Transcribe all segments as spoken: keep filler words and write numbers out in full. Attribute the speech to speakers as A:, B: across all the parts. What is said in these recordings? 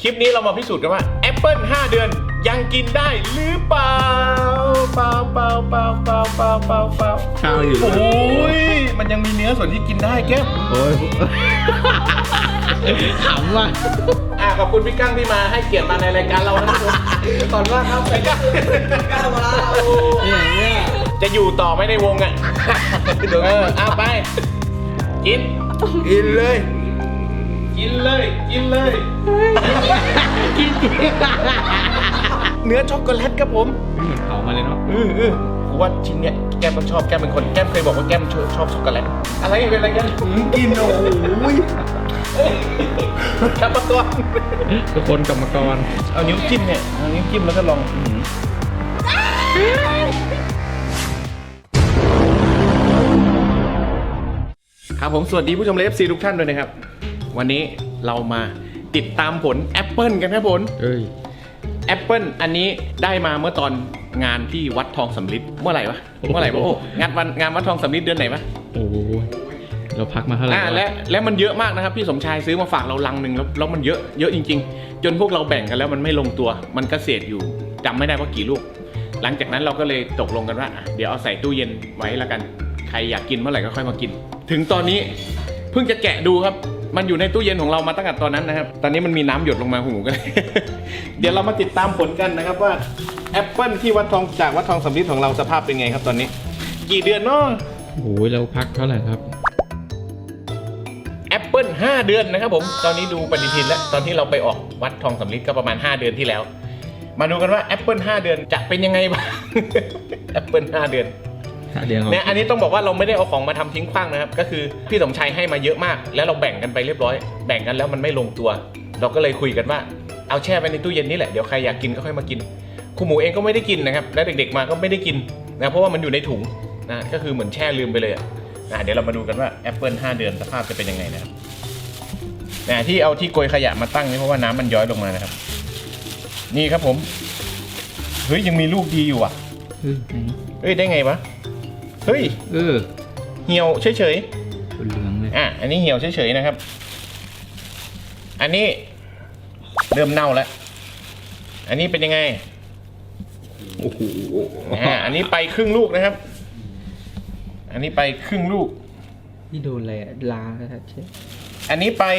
A: คลิปนี้เรามาพิสูจน์กันว่าแอปเปิลห้าเดือนยังกินได้หรือเปล่าเปล่าเปล่าเปล่าเปล่าเปล่าเปล่าเปล่า
B: ข้าวอยู่
A: โอ้ยมันยังมีเนื้อส่วนที่กินได้แก้ม
B: โอ้ยขำว่ะ
A: อ่ะขอบคุณพี่กั้งที่มาให้เกียรติมาในรายการเรานะครับตอนว่าครับพี่กั้งกั้งมาแล้ว
B: เนี่ยเนี่ย
A: จะอยู่ต่อไม่ในวงอ่ะเออเอาไปกิน
B: กินเลย
A: กินเลยกินเลย
B: กินจริง
A: เนื้อช็อกโกแลตครับผม
B: เหมือนเผามาเลยเนาะ
A: อืออือกูว่าชิ้นเนี้ยแก้มต้องชอบแก้มเป็นคนแก้มเคยบอกว่าแก้มชอบชอบช็อกโกแลตอะไรเป็นอะไรกัน
B: กินโอ้ย
A: ครับประตัว
B: ทุกคนกรรมกร
A: เอานิ้วจิ้มเนี่ยเอานิ้วจิ้มแล้วก็ลองครับผมสวัสดีผู้ชมเลฟซีทุกท่านด้วยนะครับวันนี้เรามาติดตามผลแอปเปิลกันครับผล
B: เอ้ย
A: แอปเปิลอันนี้ได้มาเมื่อตอนงานที่วัดทองสำริดเมื่อไหร่วะเมื่อไหร่วะโอ้งานวันงานวัดทองสำริดเดือนไหนวะ
B: โอ้ยเราพักมาเท่าไหร่
A: อ่าและและมันเยอะมากนะครับพี่สมชายซื้อมาฝากเราลังหนึ่งแล้วแล้วมันเยอะเยอะจริงๆ จนพวกเราแบ่งกันแล้วมันไม่ลงตัวมันก็เศษอยู่จำไม่ได้ว่ากี่ลูกหลังจากนั้นเราก็เลยตกลงกันว่าอ่ะเดี๋ยวเอาใส่ตู้เย็นไว้แล้วกันใครอยากกินเมื่อไหร่ก็ค่อยมากิน ถึงตอนนี้เพิ่งจะแกะดูครับมันอยู่ในตู้เย็นของเรามาตั้งแต่ตอนนั้นนะครับตอนนี้มันมีน้ำหยดลงมาหูกัน เดี๋ยวเรามาติดตามผลกันนะครับว่าแอปเปิลที่วัดทองจากวัดทองสำริดของเราสภาพเป็นไงครับตอนนี้ กี่เดือนเนาะ
B: โอ้ยเราพักเท่าไหร่ครับ
A: แอปเปิลห้าเดือนนะครับผมตอนนี้ดูปฏิทินแล้วตอนที่เราไปออกวัดทองสำริดก็ประมาณห้าเดือนที่แล้ว มาดูกันว่าแอปเปิลห้าเดือนจะเป็นยังไงบ้าง แอปเปิลห้าเดือน
B: เดือน
A: เนี่ยอันนี้ต้องบอกว่าเราไม่ได้เอาของมาทำทิ้งขว้างนะครับก็คือพี่สมชัยให้มาเยอะมากแล้วเราแบ่งกันไปเรียบร้อยแบ่งกันแล้วมันไม่ลงตัว เราก็เลยคุยกันว่าเอาแช่ไว้ในตู้เย็นนี่แหละเดี๋ยวใครอยากกินก็ค่อยมากินครูหมูเองก็ไม่ได้กินนะครับและเด็กๆมาก็ไม่ได้กินนะเพราะว่ามันอยู่ในถุงนะก็คือเหมือนแช่ลืมไปเลยอะนะเดี๋ยวเรามาดูกันว่าแอปเปิลห้าเดือนสภาพจะเป็นยังไงนะครับนะที่เอาที่โกยขยะมาตั้งนี่เพราะว่าน้ำมันย้อยลงมานะครับนี่ครับผมเฮ้ยยังมีลูกดีอยู่อ่ะ
B: เฮ้ยไหน
A: เฮ้ยได้ไงวะเฮ้ย
B: เออ
A: เหี่ยวเฉย
B: เหลืองเลย
A: ๆอ่ะอันนี้เหี่ยวเฉยๆนะครับอันนี้เริ่มเน่าแล้วอันนี้เป็นยังไง
B: โอ้โห
A: อ่าอันนี้ไปครึ่งลูกนะครับอันนี้ไปครึ่งลูก
B: นี่โดนอะไรอะลาครับเชฟ
A: อันนี้ไป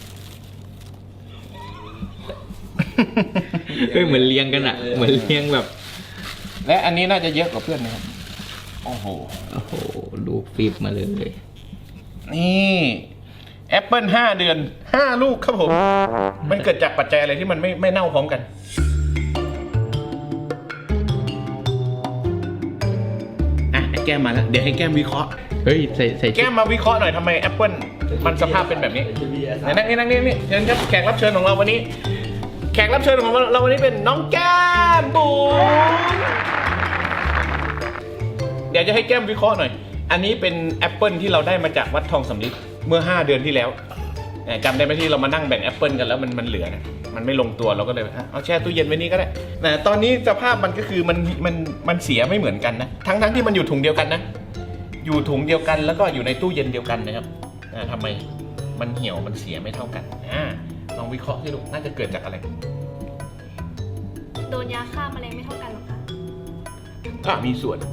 B: เฮ้ยเหมือนเลี้ยงกันอะเหมือนเลี้ยงแบบ
A: และอันนี้น่าจะเยอะกว่าเพื่อนนะครับโอ้โห
B: โอ้โหลูกฟิบมาเลย
A: นี่แอปเปิลห้าเดือนห้าลูกครับผมมันเกิดจากปัจจัยอะไรที่มันไม่ไม่เน่าพร้อมกันอ่ะไอ้แก้มมาแล้วเดี๋ยวให้แก้มวิเคราะห์
B: เฮ้ยใส่ใส่ชุ
A: แก้
B: ด
A: มมาวิเคราะห์หน่อยทำไมแอปเปิลมันสภาพเป็นแบบนี้ไหนนั่งนี่นั่งนี่นี่เชิญครับแขกรับเชิญของเราวันนี้ แขกรับเชิญของเราวันนี้เป็นน้องแก้มบุ๋มเดี๋ยวจะให้แก้มวิเคราะห์หน่อยอันนี้เป็นแอปเปิลที่เราได้มาจากวัดทองสำริดเมื่อห้าเดือนที่แล้วจำได้ไหมที่เรามานั่งแบ่งแอปเปิลกันแล้วมันมันเหลือนะมันไม่ลงตัวเราก็เลยเอาแช่ตู้เย็นไว้นี่ก็ได้แต่ตอนนี้สภาพมันก็คือมันมันมันเสียไม่เหมือนกันนะทั้งทั้งที่มันอยู่ถุงเดียวกันนะอยู่ถุงเดียวกันแล้วก็อยู่ในตู้เย็นเดียวกันนะครับอ่าทำไมมันเหี่ยวมันเสียไม่เท่ากันอ่าลองวิเคราะห์สิลูกน่าจะเกิดจากอะไร
C: โดนยาฆ่าแมลงไม่เท่ากันหรอคะ
A: ก็มีส่วน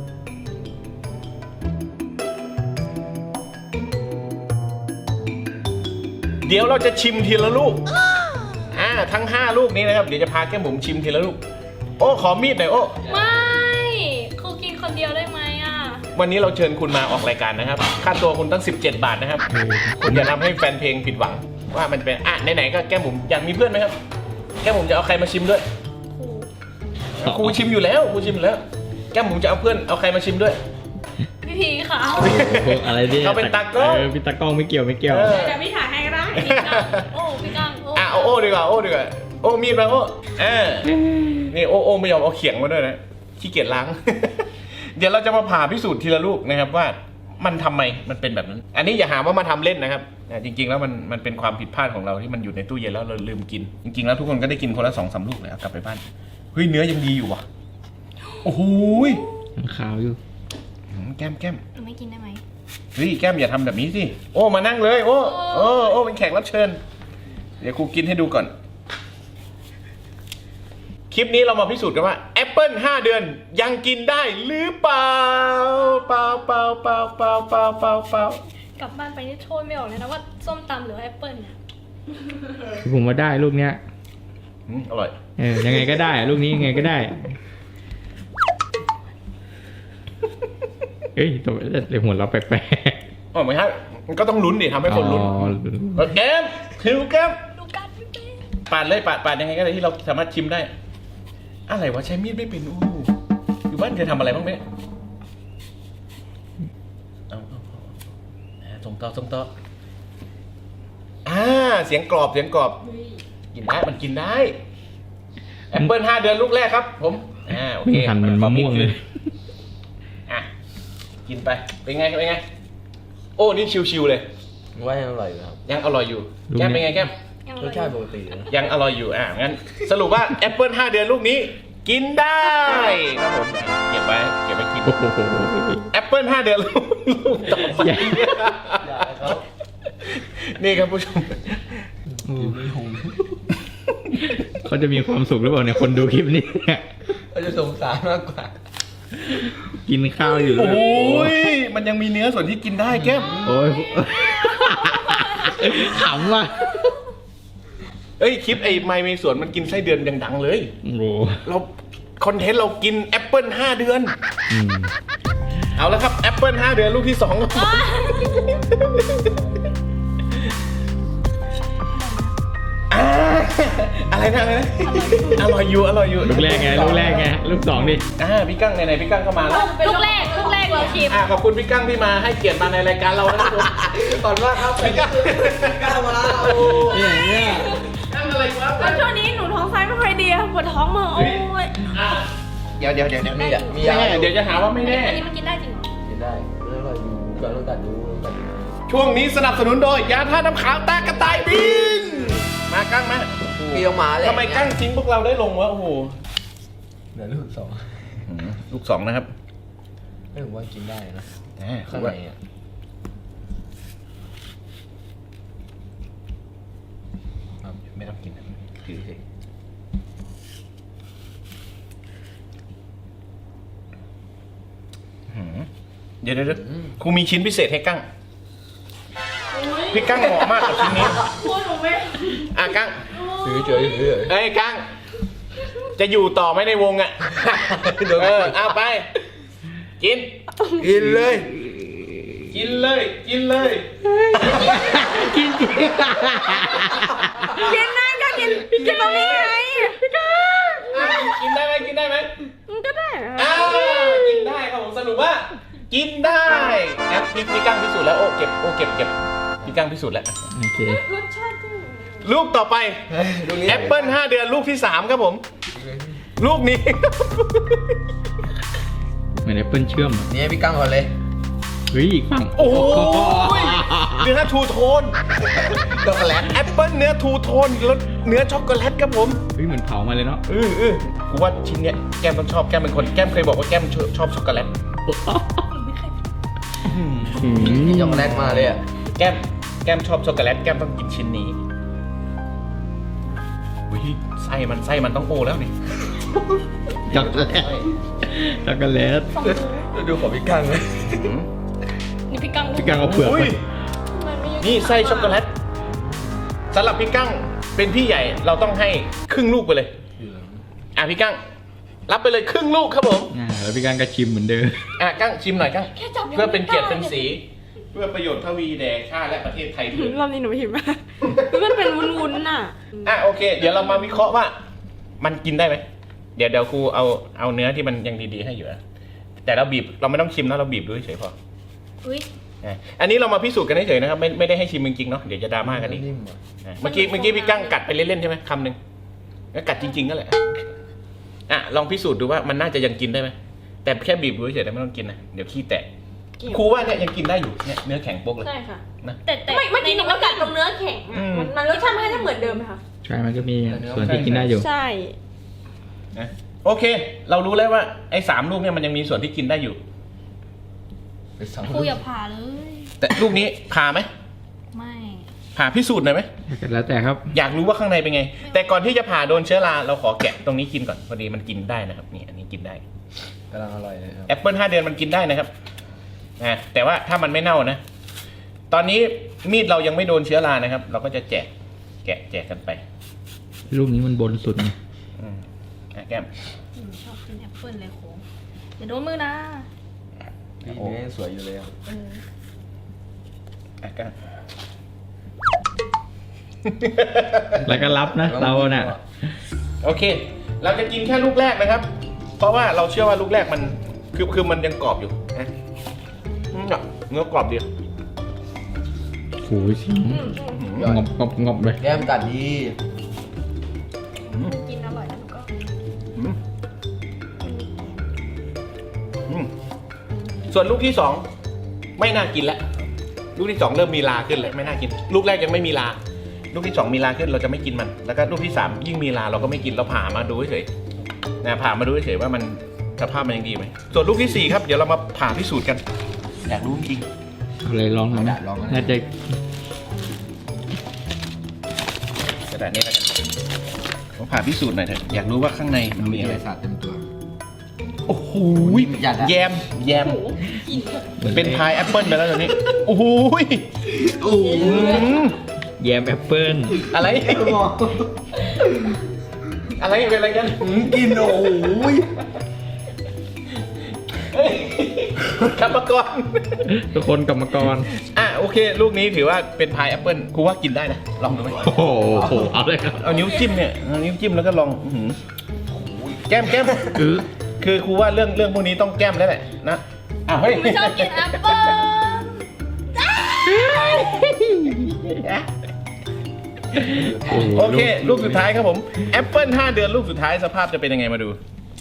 A: เดี๋ยวเราจะชิมทีละลูกอ่าทั้งห้าลูกนี้นะครับเดี๋ยวจะพาแก้มบุ๋มชิมทีละลูกโอ้ขอมีดหน่อยโอ้
C: ไม่ครูกินคนเดียวได้ไหมอ่ะ
A: วันนี้เราเชิญคุณมาออกรายการนะครับค่าตัวคุณตั้งสิบเจ็ดบาทนะครับคุณอย่าทำให้แฟนเพลงผิดหวังว่ามันเป็นอ่ะไหนๆก็แก้มบุ๋มอยากมีเพื่อนไหมครับแก้มบุ๋มจะเอาใครมาชิมด้วย
C: ครู
A: ครูชิมอยู่แล้วครูชิมอยู่แล้วแก้มบุ๋มจะเอาเพื่อนเอาใครมาชิมด้วย
C: พี่พีค่ะ
B: พวกอะไรเนี่ย
A: เขาเป็นตากล้อง
B: เออพี่ตากล้องไม่เกี่ยวไม่เกี่ยว
A: เออ
C: เดี๋ยวพี่ถ่ายให้ก็ได้พี่กังโอ้พี่กังโอ้
A: อ่ะเอาโอ้ดีกว่าโอ้ดีกว่าโอ้มีดมาโอ้เออนี่โอ้โอ้ไม่ยอมเอาเขียงมาด้วยนะขี้เกียจล้าง เดี๋ยวเราจะมาผ่าพิสูจน์ทีละลูกนะครับว่ามันทำไมมันเป็นแบบนั้น อันนี้อย่าหาว่ามาทำเล่นนะครับแต่จริงๆแล้วมันมันเป็นความผิดพลาดของเราที่มันอยู่ในตู้เย็นแล้วเราลืมกิน จริงๆแล้วทุกคนก็ได้กินคนละสองสามลูกเลยเอากลับไปบ้านเฮ้ยเนื้อยังดีอยู่ว่ะโอ้โหย
B: มันขาวอยู่
A: อืมแก้มแก้ม
C: หนูไม่กินได้ไหม
A: เฮ้ยแก้มอย่าทำแบบนี้สิโอ้มานั่งเลยโอ้โอ้โอ้เป็นแขกรับเชิญเดี๋ยวครูกินให้ดูก่อนคลิปนี้เรามาพิสูจน์กันว่าแอปเปิลห้าเดือนยังกินได้หรือเปล่าเปล่าเปล่าเปล่าเปล่าเปล่าเปล่าเปล่าก
C: ลับบ้านไปนี่โทษไม่ออกเลยนะว่าส้มตำหรือแอปเปิลเนี่ย
B: ผมว่าได้ลูกเนี้ย
A: อืมอร่อย
B: เออยังไงก็ได้ลูกนี้ยังไงก็ได้เอ้ยตัวเดี๋ยวหัวเราะแปลก
A: อ๋อไม่ใช่มันก็ต้องลุ้นดิทำ
B: ๆ
A: ให้คนลุ้น
B: อ๋อ
A: เออแก้มคิวแก้ม
C: ดูกันไม่เป็น
A: ปาดเลยปาดปาดยังไงก็ได้ที่เราสามารถชิมได้ อะไรวะใช้มีดไม่เป็นอู้อยู่บ้านเคยทำอะไรบ้างไหมเอาเอาเอาอ่าส่งต่อส่งต่ออ่าเสียงกรอบเสียงกรอบกินได้มันกินได้แอปเปิลห้าเดือนลูกแรกครับ ผมอ่าโอ
B: ไม่
A: เค
B: ทันมันมะม่วงเลย
A: อ่ะกินไปเป็นไงเป็นไง โอ้นี่ชิวๆเลย
D: ว่ายังอร่อยอยู่ครับ
A: ยังอร่อยอยู่แก้มเป็นไงแก้ม
C: ยัง
D: รสชาติปกตินะ
A: ยังอร่อยอยู่ อ่ะ งั้นสรุปว่าแอปเปิลห้าเดือนลูกนี้ กินได้ครับผม เก็บไว้ เก็บไว้กิน
B: โอ้โห
A: แอปเปิลห้าเดือนลูกลูกต่อไป
D: อยากให้เขา
A: นี่ครับผู้ชม
D: กินไม่หง
B: เขาจะมีความสุขหรือเปล่าเนี่ยคนดูคลิปนี้
D: เขาจะสงสารมากกว่า
B: กินข้าวอยู่เล
A: โอ้
B: ย
A: ย มันยังมีเนื้อส่วนที่กินได้แก้ม
B: โอ้ยขำว่ะ
A: เอ้ย คลิปไอ้ไมเมสวนมันกินไส้เดือนยังดังเลย
B: โอ้โห
A: เราคอนเทนต์เรากินแอปเปิลห้าเดือน
B: อืม
A: เอาแล้วครับแอปเปิลห้าเดือนลูกที่สองครับผมอ่าอะไรนะอะไรนะอร่อยอยู่อร่อยอยู่
B: ลูกแรกไงลูกแรกไงลูกสองดิ
A: อ่าพี่กั้งไหนๆพี่กั้งก็มาแล้ว
C: ลูกแรกลูกแรกเราชิม
A: อ่าขอบคุณพี่กั้งที่มาให้เกียรติมาในรายการเรานะครับผม
D: ก่อนว่าครับ
A: พี่กั้ง
D: ก้าวมาแล้ว
B: เนี่ยเนี่ย
A: กั้งอะไรวะ
C: แล้วช่วงนี้หนูท้องไส้ไม่ค่อยดีปวดท้องมือโอ้ย
A: อ่าเดี๋ยวเดี๋ยวเดี๋ยวเดี๋ยว
D: มีอ่ะมี
A: แม่
D: ยา
A: เดี๋ยวจะหาว่าไม่แน่
C: อันนี้มันกินได้จริงเหรอ
D: กินได้อร่อยอยู่ก่อนต้องกัดดูต้องกัดดู
A: ช่วงนี้สนับสนุนโดยยาท่าน้ำขาวตากระต่ายบินมากั้งมา
D: มีออกมาเลย
A: ทำไมกั้งทิ้งพวกเราได้ลงวะโอ้โห
D: เดี๋ยวลูกสอง
A: ลูกสองนะครับ
D: ไม่ผมว่ากินได้นะ
A: อ่า
D: ข้างในอ่ะ
A: ไม่ต้องกินนะถือเฉยอื้อหือเดี๋ยวเดี๋ยวเดี๋ยวครูมีชิ้นพิเศษให้กั้งพี่กั้งเหมาะมากกับชิ้นนี้
C: พูดหนูไม่
A: อ่ะกั้ง
D: ถือเฉยถือเฉย
A: เอ้ยกั้งจะอยู่ต่อไหมในวงอ่ะเออเอาไป กิน
D: กินเลย
A: กินเลย กินเลย
B: กินจริง
C: กินได้ก็กินกินตรงนี้ไง
A: กินได้ไหมกินได้ไหม
C: มันก็ได้
A: อ้าวกินได้ครับผมสรุปว่า กินได้นะพี่พี่กั้งพิสูจน์แล้วโอ้เก็บโอ้เก็บเก็บพี่กั้งพิสูจน์แล้ว
B: โอเค
C: รสชาติจริง
A: ลูกต่อไป
D: ดูนี้
A: แอปเปิลห้าเดือนลูกที่สามครับผม ลูกนี้
B: เหมือนแอปเปิลเชื่อมอะ
D: นี่ให้พี่กั้งก่อนเลย
B: เฮ้ยอีกฝั่ง
A: โอ้ยเนื้อทูโทน
D: ช็อกโกแลต
A: แอปเปิลเนื้อทูโทนแล้วเนื้อช็อกโกแลตครับผม
B: เฮ้ยเหมือนเผามาเลยเนาะ
A: เออเออกูว่าชิ้นเนี้ยแก้มต้องชอบแก้มเป็นคนแก้มเคยบอกว่าแก้มชอบชอบช็อกโกแลต
B: อืม
D: ช็อกโกแลตมาเลยอ่ะ
A: แก้มแก้มชอบช็อกโกแลตแก้มต้องกินชิ้นนี้อุ้ยไส้มันไส้มันต้องโอแล้วนี่
B: ช็อกโกแลตช็อกโกแลต
C: สองนิ้ว
D: ดูของพี่กั้งเลย
A: อืม
C: นี่พี่กัง
B: พี่กังเอาเปลือก
A: อุ้
B: ไป
A: ย
C: มันไม่
A: นี่ไส้ช็อกโกแลตสำหรับพี่กั้งเป็นพี่ใหญ่เราต้องให้ครึ่งลูกไปเลยอ่ะพี่กั้งรับไปเลยครึ่งลูกครับผม
B: อ่าแล้วพี่กังก็ชิมเหมือนเดิม
A: อ่ะกั้งชิมหน่อยกั้ง
C: แค่จับยัง
A: เพื่อเป็นเกียรติเป็น
C: ไม่ได้
A: สี เพื่อประโยชน์ทวีแด่ชาติและประเทศไทยด้วย
C: รอบนี้หนูหิวมากมันเป็นวุ้นๆน่ะ
A: อ่ะโอเค เดี๋ยวเรามาวิเคราะห์ว่า มันกินได้ไหมเดี๋ยวเดี๋ยวครูเอาเอาเนื้อที่มันยังดีๆให้อยู่นะแต่เราบีบเราไม่ต้องชิมนะเราบีบดูเฉยๆพอ
C: อุ้ย
A: อ่ะอันนี้เรามาพิสูจน์กันเฉยๆนะครับไม่ไม่ได้ให้ชิมจริงๆเนาะเดี๋ยวจะดราม่ากันอีก
D: นิ่มอ่ะ
A: อ่ะเมื่อกี้เมื่อกี้พี่กั้งกัดไปเล่นๆใช่ไหมคำหนึ่งแล้วกัดจริงๆก็แหละอ่ะลองพิสูจน์ดูว่ามันน่าจะยังกินได้ไหมแต่แค่บีบดูเฉยๆแต่ไม่ต้องกินนะเดี๋ยวขี้แตกครูว่าเนี่ยยังกินได้อยู่เนี่ยเนื้อแข็งโป๊กเลย
C: ใช่ค่ะ
A: นะ
C: แต่แต่เมื่อกี้หนูก็กัดตรงเนื้อแข็ง
A: อื
C: อะ
A: ม
C: มันมันรสชาติมันก็จะเหมือนเดิมไหมคะ
B: ใช่มันก็มีส่วนที่กินได้อยู่
C: ใช่
A: นะโอเค เรารู้แล้วว่าไอ้สามลูกเนี่ยมันยังมีส่วนที่กินได้อยู่
D: ไปสอง
C: ครูอย่าผ่าเลย
A: แต่ลูกนี้ผ่าไหม
C: ไม่
A: ผ่าพิสูจน์หน่อยไหม
B: แล้วแต่ครับ
A: อยากรู้ว่าข้างในเป็นไง แต่ก่อนที่จะผ่าโดนเชื้อราเราขอแกะตรงนี้กินก่อนพอดีมันกินได้นะครับนี่อันนี้กินได้
D: กำลังอร่อยเลยครับ
A: แอปเปิลห้าเดือนมันกินได้นะครับนะแต่ว่าถ้ามันไม่เน่านะ ตอนนี้มีดเรายังไม่โดนเชื้อรานะครับ เราก็จะแจกแกะแจกกันไป
B: ลูกนี้มันบนสุดไง
A: อืมอ่ะแก้ม
C: หนูชอบกินแอปเปิ้ลเลยโค้งอย่าโดนมือนะ
D: พี่เนื้อยังสวยอยู่เลยครับ
C: เออ
A: อ่ะแก้ม
B: แล้วก็รับนะเราน่ะ
A: โอเค เราจะกินแค่ลูกแรกนะครับ เพราะว่าเราเชื่อว่าลูกแรกมันคือคือมันยังกรอบอยู่นะอืมอ่ะเนื้อกรอบดี
B: โอ้ยเสียง
C: อืมอืม
B: งบงบงบเลย
D: แก้มกัดดี
C: กินอร่อยแล้วหนูก็
A: อืมอืมส่วนลูกที่สองไม่น่ากินแล้วลูกที่สองเริ่มมีลาขึ้นเลยไม่น่ากิน ลูกแรกยังไม่มีลา ลูกที่สองมีลาขึ้นเราจะไม่กินมัน แล้วก็ลูกที่สามยิ่งมีลาเราก็ไม่กินเราผ่ามาดูเฉยๆนะผ่ามาดูเฉยๆว่ามันสภาพมันยังดีไหมส่วนลูกที่สี่ครับเดี๋ยวเรามาผ่าพิสูจน์กันอยากรู้จริง
B: เอาเลยลองหน่อยนะ
D: ลองนะ
B: น่าจะ
A: กระดาษนี้แล้วกันผมผ่าพิสูจน์หน่อยเถอะอยากรู้ว่าข้างในมันมี
D: มี
A: อะ
D: อะไร ไรสาดเต็มตัว
A: โอ้โห
D: หยัดละ
A: แยมแยมเป็นพายแอปเปิลไปแล้วตอนนี้โอ้โห
D: โอ้โห
A: อืม
B: แยมแอปเปิ้ล
A: อะไร อะไรเป็นอะไรกัน
D: กินโอ้โห
A: กรรมกร
B: ทุกคนกรรมกร
A: อ่ะโอเค ลูกนี้ถือว่าเป็นพายแอปเปิลครูว่ากินได้นะ ลองดูไหม
B: โอ้โหเอาเลยครับ
A: เอานิ้วจิ้มเนี่ยเอานิ้วจิ้มแล้วก็ลองอื้อหือแก้มแก้ม
B: คือ
A: คือครูว่าเรื่องเรื่องพวกนี้ต้องแก้มแล้วแหละนะอ่ะเฮ้ย
C: ไม่ชอบกินแอปเปิ้ล
A: โอเค ลูกสุดท้ายครับผมแอปเปิลห้าเดือนลูกสุดท้ายสภาพจะเป็นยังไงมาดู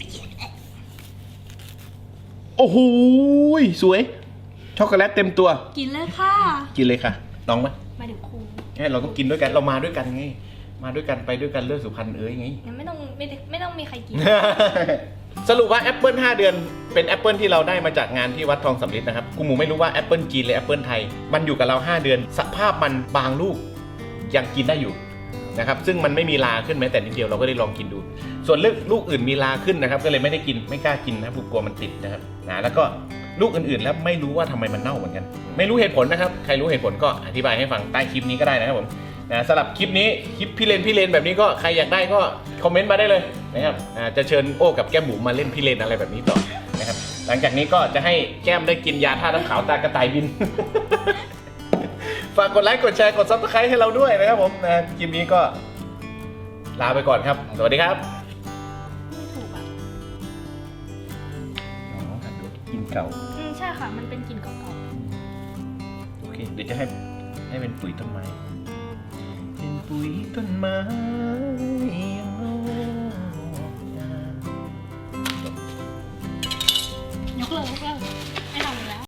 A: โอ้โหสวย ช็อกโกแลตเต็มตัว
C: กินเลยค่ะ
A: กินเลยค่ะลองไหม
C: มาเดี๋ยวครู
A: เนี่ยเราต้องกินด้วยกันเรามาด้วยกันไงมาด้วยกันไปด้วยกันเลือดสุพรรณเอ้ยไง
C: งั้นไม่ต้องไม่ได้ไม่ต้องมีใครกิน
A: สรุปว่าแอปเปิลห้าเดือนเป็นแอปเปิลที่เราได้มาจากงานที่วัดทองสำริดนะครับกูหมูไม่รู้ว่าแอปเปิลจีนหรือแอปเปิลไทยมันอยู่กับเราห้าเดือน สภาพมันบางลูกยังกินได้อยู่นะครับซึ่งมันไม่มีลาขึ้นแม้แต่นิดเดียวเราก็ได้ลองกินดู ส่วนลูกลูกอื่นมีลาขึ้นนะครับก็เลยไม่ได้กินไม่กล้ากินนะครับกลัวมันติดนะครับนะแล้วก็ลูกอื่นๆแล้วไม่รู้ว่าทำไมมันเน่าเหมือนกัน ไม่รู้เหตุผลนะครับใครรู้เหตุผลก็อธิบายให้ฟังใต้คลิปนี้ก็ได้นะครับผมนะสำหรับคลิปนี้คลิปพี่เลนพี่เลนแบบนี้ก็ใครอยากได้ก็คอมเมนต์มาได้เลยนะครับอ่าจะเชิญโอ้กับแก้มหมูมาเล่นพี่เลนอะไรแบบนี้ต่อนะครับหลังจากนี้ก็จะให้แก้มได้กินยาท่าน้ำขาวตากระต่ายบิน ฝากกดไลค์กดแชร์กดซับสไครต์ให้เราด้วยนะครับผมนะคลิปนี้ก็ลาไปก่อนครับ สวัสดีครับ
C: ไม่ถูกอ่ะ
A: กินเก่า
C: อืมใช่ค่ะ มันเป็นกลิ่นเก่า
A: โอเค เดี๋ยวจะให้ให้เป็นปุ๋ยต้นไม้ เป็นปุ๋ยต้นไม้